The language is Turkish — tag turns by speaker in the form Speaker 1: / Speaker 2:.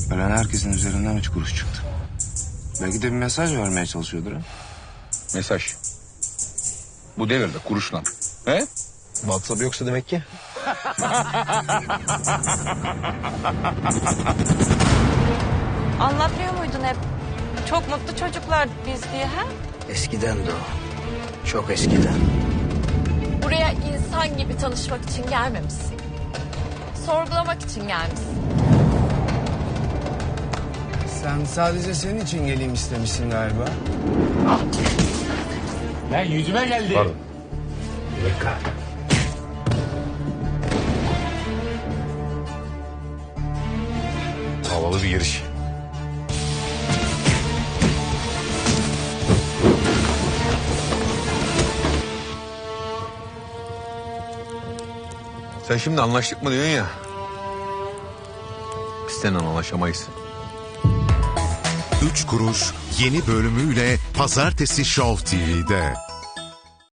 Speaker 1: Ölen herkesin üzerinden 3 kuruş çıktı. Belki de bir mesaj vermeye çalışıyordur ha.
Speaker 2: Mesaj. Bu devirde kuruşla. He?
Speaker 3: WhatsApp yoksa demek ki.
Speaker 4: Anlatmıyor muydun hep? Çok mutlu çocuklar biz diye ha?
Speaker 3: Eskiden de o. Çok eskiden.
Speaker 5: Buraya insan gibi tanışmak için gelmemişsin. Sorgulamak için gelmişsin.
Speaker 1: Sen sadece senin için geleyim istemişsin galiba.
Speaker 6: Lan yüzüme geldi.
Speaker 2: Pardon.
Speaker 6: Bir dakika.
Speaker 2: Havalı bir giriş. Sen şimdi anlaştık mı diyorsun ya. Biz seninle anlaşamayız.
Speaker 7: 3 kuruş yeni bölümüyle Pazartesi Show TV'de.